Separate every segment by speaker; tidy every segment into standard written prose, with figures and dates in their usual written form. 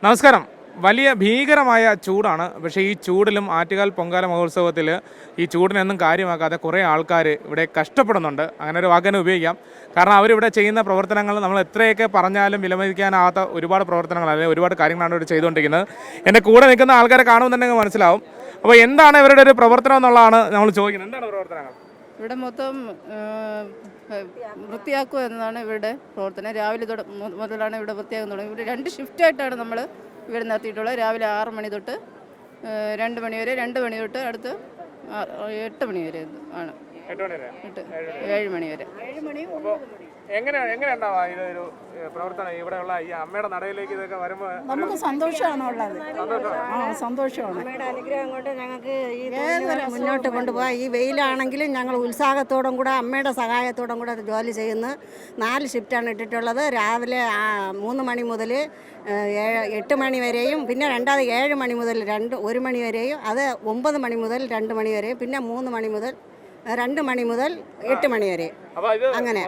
Speaker 1: നമസ്കാരം. വലിയ ഭീകരമായ ചൂടാണ്. പക്ഷേ ഈ ചൂടിലും ആറ്റുകാൽ പൊങ്കാല മഹോത്സവത്തിൽ ഈ ചൂടിനൊന്നും കാര്യമാക്കാതെ കുറേ ആൾക്കാർ ഇവിടെ കഷ്ടപ്പെടുന്നുണ്ട്. അങ്ങനെ ഒരു വാക്കിനെ ഉപയോഗിക്കാം. കാരണം അവരിവിടെ ചെയ്യുന്ന പ്രവർത്തനങ്ങൾ നമ്മൾ എത്രയൊക്കെ പറഞ്ഞാലും വിലമതിക്കാനാവാത്ത ഒരുപാട് പ്രവർത്തനങ്ങൾ അല്ലെങ്കിൽ ഒരുപാട് കാര്യങ്ങളാണ് ഇവിടെ ചെയ്തുകൊണ്ടിരിക്കുന്നത്. എൻ്റെ കൂടെ നിൽക്കുന്ന ആൾക്കാരെ കാണുമെന്നുണ്ടെങ്കിൽ മനസ്സിലാവും. അപ്പോൾ എന്താണ് ഇവരുടെ ഒരു പ്രവർത്തനം എന്നുള്ളതാണ് നമ്മൾ ചോദിക്കുന്നത്. എന്താണ് പ്രവർത്തനങ്ങൾ?
Speaker 2: ഇവിടെ മൊത്തം വൃത്തിയാക്കുക എന്നതാണ് ഇവരുടെ പ്രവർത്തനം. രാവിലെ മുതലാണ് ഇവിടെ വൃത്തിയാക്കാൻ തുടങ്ങി. ഇവിടെ 2 ഷിഫ്റ്റായിട്ടാണ് നമ്മൾ ഇവിടെ നടത്തിയിട്ടുള്ളത്. രാവിലെ 6 മണി തൊട്ട് 2 മണി വരെ, 2 മണി തൊട്ട് അടുത്ത് 8 മണി വരെ ആണ്. 7 മണി വരെ.
Speaker 1: എങ്ങനെയുണ്ടാവാ ഇതൊരു പ്രവർത്തനം ഇവിടെയുള്ള ഈ അമ്മയുടെ നടയിലേക്ക് ഇതൊക്കെ വരുമ്പോൾ?
Speaker 3: നമുക്ക് സന്തോഷമാണ് ഉള്ളത്. സന്തോഷമാണ്.
Speaker 4: അമ്മയുടെ അനുഗ്രഹം കൊണ്ട് ഞങ്ങൾക്ക് ഈ മുന്നോട്ട് കൊണ്ടുപോകാം. ഈ വെയിലാണെങ്കിലും ഞങ്ങൾ ഉത്സാഹത്തോടും കൂടെ അമ്മയുടെ സഹായത്തോടും കൂടെ ജോലി ചെയ്യുന്നു. 4 ഷിഫ്റ്റാണ് ഇട്ടിട്ടുള്ളത്. രാവിലെ 3 മണി മുതൽ 8 മണി വരെയും, പിന്നെ രണ്ടാമത് 7 മണി മുതൽ 1 മണി വരെയും, അത് 9 മണി മുതൽ 2 മണി വരെയും, പിന്നെ 3 മണി മുതൽ 2 മണി മുതൽ 8 മണി വരെ. അങ്ങനെ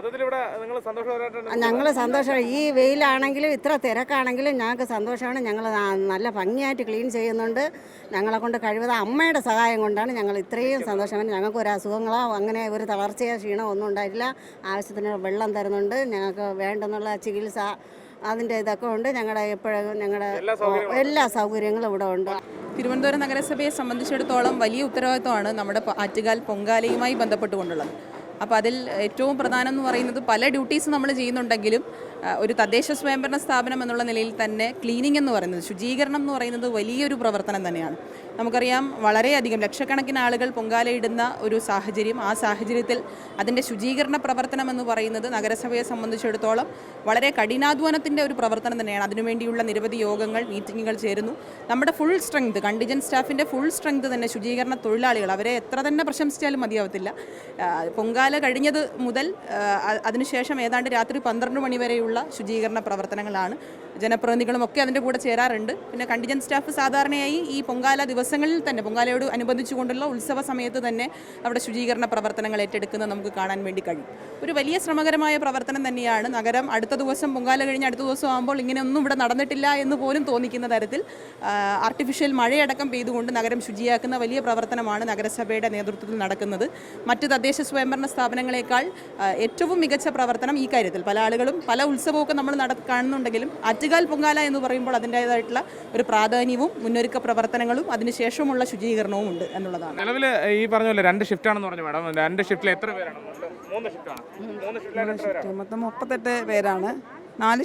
Speaker 4: ഞങ്ങൾ സന്തോഷം. ഈ വെയിലാണെങ്കിലും ഇത്ര തിരക്കാണെങ്കിലും ഞങ്ങൾക്ക് സന്തോഷമാണ്. ഞങ്ങൾ നല്ല ഭംഗിയായിട്ട് ക്ലീൻ ചെയ്യുന്നുണ്ട്. ഞങ്ങളെ കൊണ്ട് കഴിവത് അമ്മയുടെ സഹായം കൊണ്ടാണ് ഞങ്ങൾ ഇത്രയും സന്തോഷമാണ്. ഞങ്ങൾക്ക് ഒരു അസുഖങ്ങളോ അങ്ങനെ ഒരു തളർച്ചയോ ക്ഷീണമോ ഒന്നും ഉണ്ടായിട്ടില്ല. ആവശ്യത്തിന് വെള്ളം തരുന്നുണ്ട്. ഞങ്ങൾക്ക് വേണ്ടെന്നുള്ള ചികിത്സ അതിൻ്റെ ഇതൊക്കെ ഉണ്ട്. ഞങ്ങളുടെ എപ്പോഴും ഞങ്ങളുടെ എല്ലാ സൗകര്യങ്ങളും ഇവിടെ ഉണ്ട്.
Speaker 5: തിരുവനന്തപുരം നഗരസഭയെ സംബന്ധിച്ചിടത്തോളം വലിയ ഉത്തരവാദിത്വമാണ് നമ്മുടെ ആറ്റുകാൽ പൊങ്കാലയുമായി ബന്ധപ്പെട്ടുകൊണ്ടുള്ളത്. അപ്പോൾ അതിൽ ഏറ്റവും പ്രധാനം എന്ന് പറയുന്നത് പല ഡ്യൂട്ടീസ് നമ്മൾ ചെയ്യുന്നുണ്ടെങ്കിലും ഒരു തദ്ദേശ സ്വയംഭരണ സ്ഥാപനം എന്നുള്ള നിലയിൽ തന്നെ ക്ലീനിങ് എന്ന് പറയുന്നത്, ശുചീകരണം എന്ന് പറയുന്നത് വലിയൊരു പ്രവർത്തനം തന്നെയാണ്. നമുക്കറിയാം, വളരെയധികം ലക്ഷക്കണക്കിന് ആളുകൾ പൊങ്കാലയിടുന്ന ഒരു സാഹചര്യം. ആ സാഹചര്യത്തിൽ അതിൻ്റെ ശുചീകരണ പ്രവർത്തനം എന്ന് പറയുന്നത് നഗരസഭയെ സംബന്ധിച്ചിടത്തോളം വളരെ കഠിനാധ്വാനത്തിൻ്റെ ഒരു പ്രവർത്തനം തന്നെയാണ്. അതിനുവേണ്ടിയുള്ള നിരവധി യോഗങ്ങൾ, മീറ്റിങ്ങുകൾ ചേരുന്നു. നമ്മുടെ ഫുൾ സ്ട്രെങ്ത്, കണ്ടിജൻറ്റ് സ്റ്റാഫിൻ്റെ ഫുൾ സ്ട്രെങ്ത് തന്നെ ശുചീകരണ തൊഴിലാളികൾ, അവരെ എത്ര തന്നെ പ്രശംസിച്ചാലും മതിയാവത്തില്ല. പൊങ്കാല കഴിഞ്ഞത് മുതൽ അതിനുശേഷം ഏതാണ്ട് രാത്രി 12 മണി വരെയുള്ള ശുചീകരണ പ്രവർത്തനങ്ങളാണ്. ജനപ്രതിനിധികളും ഒക്കെ അതിൻ്റെ കൂടെ ചേരാറുണ്ട്. പിന്നെ കണ്ടിജൻറ്റ് സ്റ്റാഫ് സാധാരണയായി ഈ പൊങ്കാല ദിവസങ്ങളിൽ തന്നെ, പൊങ്കാലയോട് അനുബന്ധിച്ചുകൊണ്ടുള്ള ഉത്സവ സമയത്ത് തന്നെ അവിടെ ശുചീകരണ പ്രവർത്തനങ്ങൾ ഏറ്റെടുക്കുന്നത് നമുക്ക് കാണാൻ വേണ്ടി കഴിയും. ഒരു വലിയ ശ്രമകരമായ പ്രവർത്തനം തന്നെയാണ്. നഗരം അടുത്ത ദിവസം, പൊങ്കാല കഴിഞ്ഞ് അടുത്ത ദിവസം ആകുമ്പോൾ ഇങ്ങനെയൊന്നും ഇവിടെ നടന്നിട്ടില്ല എന്ന് പോലും തോന്നിക്കുന്ന തരത്തിൽ ആർട്ടിഫിഷ്യൽ മഴയടക്കം പെയ്തുകൊണ്ട് നഗരം ശുചിയാക്കുന്ന വലിയ പ്രവർത്തനമാണ് നഗരസഭയുടെ നേതൃത്വത്തിൽ നടക്കുന്നത്. മറ്റ് തദ്ദേശ സ്വയംഭരണ സ്ഥാപനങ്ങളെക്കാൾ ഏറ്റവും മികച്ച പ്രവർത്തനം ഈ കാര്യത്തിൽ. പല ആളുകളും പല ഉത്സവമൊക്കെ നമ്മൾ കാണുന്നുണ്ടെങ്കിലും ആറ്റുകാൽ പൊങ്കാല എന്ന് പറയുമ്പോൾ അതിൻ്റേതായിട്ടുള്ള ഒരു പ്രാധാന്യവും മുന്നൊരുക്ക പ്രവർത്തനങ്ങളും അതിനുശേഷമുള്ള ശുചീകരണവും ഉണ്ട് എന്നുള്ളതാണ്.
Speaker 1: നിലവിൽ ഈ പറഞ്ഞ പോലെ 2 ഷിഫ്റ്റാണെന്ന് പറഞ്ഞു മാഡം. 2 ഷിഫ്റ്റിൽ എത്ര പേരാണ്? 3 ഷിഫ്റ്റാണ്.
Speaker 3: മൊത്തം 38 പേരാണ്. 4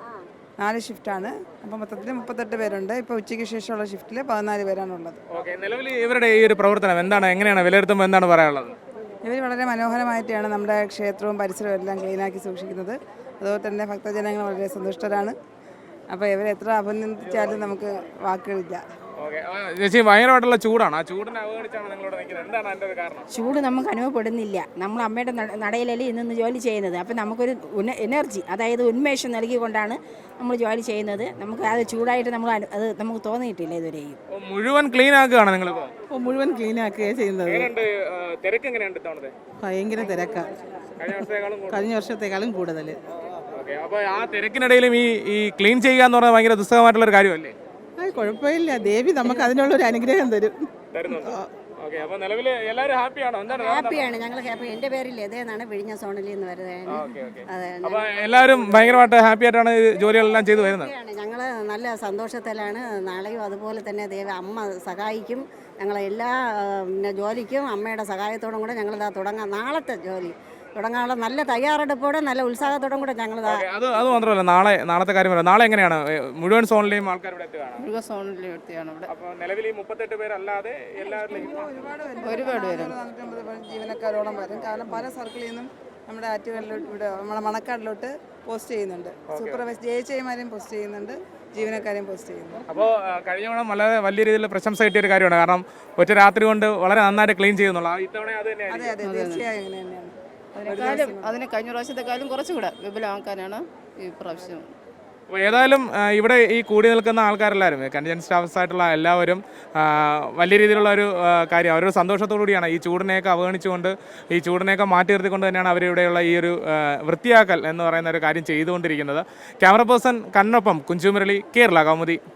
Speaker 3: ഷിഫ്റ്റാണ്. അപ്പോൾ മൊത്തത്തിൽ 38 പേരുണ്ട്. ഇപ്പോൾ ഉച്ചയ്ക്ക് ശേഷമുള്ള ഷിഫ്റ്റിൽ 14 പേരാണുള്ളത്.
Speaker 1: ഓക്കെ. നിലവിൽ ഇവരുടെ ഈ ഒരു പ്രവർത്തനം എന്താണ്, എങ്ങനെയാണ് വിലയിരുത്തുമ്പോൾ എന്താണ് പറയാനുള്ളത്?
Speaker 3: ഇവർ വളരെ മനോഹരമായിട്ടാണ് നമ്മുടെ ക്ഷേത്രവും പരിസരവും എല്ലാം ക്ലീനാക്കി സൂക്ഷിക്കുന്നത്. അതുപോലെ തന്നെ ഭക്തജനങ്ങൾ വളരെ സന്തുഷ്ടരാണ്. അപ്പോൾ ഇവരെ എത്ര അഭിനന്ദിച്ചാലും നമുക്ക് വാക്കുകളില്ല.
Speaker 1: ചേച്ചി, ഭയങ്കരമായിട്ടുള്ള ചൂടാണ്. ആ ചൂടിനെ അവഗണിച്ചാണ് നിങ്ങളോട് നിൽക്കുന്നത്. എന്താണ് അതിൻ്റെ ഒരു കാരണം?
Speaker 6: ചൂട് നമുക്ക് അനുഭവപ്പെടുന്നില്ല. നമ്മൾ അമ്മയുടെ നടയിലല്ലേ ഇന്ന് ജോലി ചെയ്യുന്നത്. അപ്പം നമുക്കൊരു എനർജി, അതായത് ഉന്മേഷം നൽകിക്കൊണ്ടാണ് നമ്മൾ ജോലി ചെയ്യുന്നത്. നമുക്ക് അത് ചൂടായിട്ട് അത് നമുക്ക് തോന്നിയിട്ടില്ല ഇതുവരെയും.
Speaker 1: മുഴുവൻ ക്ലീൻ ആക്കുകയാണ് നിങ്ങളിപ്പോൾ?
Speaker 3: മുഴുവൻ ക്ലീൻ ആക്കുകയാണ് ചെയ്യുന്നത്.
Speaker 1: തിരക്ക് എങ്ങനെയുണ്ട് ഇത്തവണത്തെ?
Speaker 3: ഭയങ്കര തിരക്കാണ്. കഴിഞ്ഞ വർഷത്തെക്കാളും കൂടുതൽ.
Speaker 1: അപ്പോൾ ആ തിരക്കിനിടയിലും ഈ ക്ലീൻ ചെയ്യുക എന്ന് പറഞ്ഞാൽ ഭയങ്കര ദുസ്സഹമായിട്ടുള്ള ഒരു കാര്യമല്ലേ?
Speaker 3: കുഴപ്പമില്ല, ദേവി നമുക്ക് അതിനുള്ളൊരു അനുഗ്രഹം
Speaker 1: തരുന്നുണ്ട്. അപ്പോൾ നിലവിൽ എല്ലാവരും ഹാപ്പിയാണോ?
Speaker 4: ഹാപ്പിയാണ്, ഞങ്ങൾ ഹാപ്പി. എൻ്റെ പേര് ലതയെന്നാണ്, വിഴിഞ്ഞ സോണിൽ നിന്ന് വരുന്നത്.
Speaker 1: അപ്പോൾ എല്ലാവരും ഭയങ്കരമായിട്ട് ഹാപ്പി ആയിട്ടാണ് ജോലികളെല്ലാം ചെയ്തു വരുന്നത്.
Speaker 4: ഞങ്ങൾ നല്ല സന്തോഷത്തിലാണ്. നാളെയും അതുപോലെ തന്നെ അമ്മ സഹായിക്കും. ഞങ്ങളെ എല്ലാ ജോലിക്കും അമ്മയുടെ സഹായത്തോടും കൂടെ ഞങ്ങളിതാ തുടങ്ങാം. നാളത്തെ ജോലി തുടങ്ങാനുള്ള നല്ല തയ്യാറെടുപ്പോടെ നല്ല ഉത്സാഹത്തോടും കൂടെ ഞങ്ങൾ.
Speaker 1: അത് മാത്രമല്ല, നാളത്തെ കാര്യം പറയാം. നാളെ എങ്ങനെയാണ് മുഴുവൻ സോണിലെയും ആൾക്കാർ ഇവിടെ എത്തുകയാണ്?
Speaker 2: മുഴുവൻ സോണിലെയും എത്തിയാണ് ഇവിടെ.
Speaker 1: അപ്പോൾ നിലവിൽ 38 പേരല്ലാതെ എല്ലാവരിലും
Speaker 2: ഒരുപാട് പേരും
Speaker 3: ജീവനക്കാരോളം വരും. കാരണം പല സർക്കിളിൽ നിന്നും നമ്മുടെ ആറ്റുകാലിലോട്ട്, ഇവിടെ നമ്മുടെ മണക്കാടിലോട്ട് പോസ്റ്റ് ചെയ്യുന്നുണ്ട്. സൂപ്പർവൈസ് ജയിച്ചമാരെയും പോസ്റ്റ് ചെയ്യുന്നുണ്ട്, ജീവനക്കാരെയും പോസ്റ്റ് ചെയ്യുന്നു.
Speaker 1: അപ്പോൾ കഴിഞ്ഞ തവണ വളരെ വലിയ രീതിയിൽ പ്രശംസ കിട്ടിയ ഒരു കാര്യമാണ്. കാരണം ഒറ്റ രാത്രി കൊണ്ട് വളരെ നന്നായിട്ട് ക്ലീൻ ചെയ്യുന്നുള്ള ഇത്തവണ അത് തന്നെയാണ്.
Speaker 3: അതെ, തീർച്ചയായും അങ്ങനെ തന്നെയാണ്.
Speaker 2: അതിന് കഴിഞ്ഞ പ്രാവശ്യത്തെക്കാളും കുറച്ചുകൂടെ വിപുലമാക്കാനാണ് ഈ പ്രാവശ്യം.
Speaker 1: അപ്പോൾ ഏതായാലും ഇവിടെ ഈ കൂടി നിൽക്കുന്ന ആൾക്കാരെല്ലാവരും, കണ്ടിജൻറ്റ് സ്റ്റാഫ്സ് ആയിട്ടുള്ള എല്ലാവരും വലിയ രീതിയിലുള്ള ഒരു കാര്യം, അവരൊരു സന്തോഷത്തോടു കൂടിയാണ് ഈ ചൂടിനെയൊക്കെ അവഗണിച്ചുകൊണ്ട്, ഈ ചൂടിനെയൊക്കെ മാറ്റി നിർത്തിക്കൊണ്ട് തന്നെയാണ് അവരിവിടെയുള്ള ഈ ഒരു വൃത്തിയാക്കൽ എന്ന് പറയുന്ന ഒരു കാര്യം ചെയ്തുകൊണ്ടിരിക്കുന്നത്. ക്യാമറ പേഴ്സൺ കണ്ണൊപ്പം കുഞ്ചുമുരളി, കേരള കൗമുദി.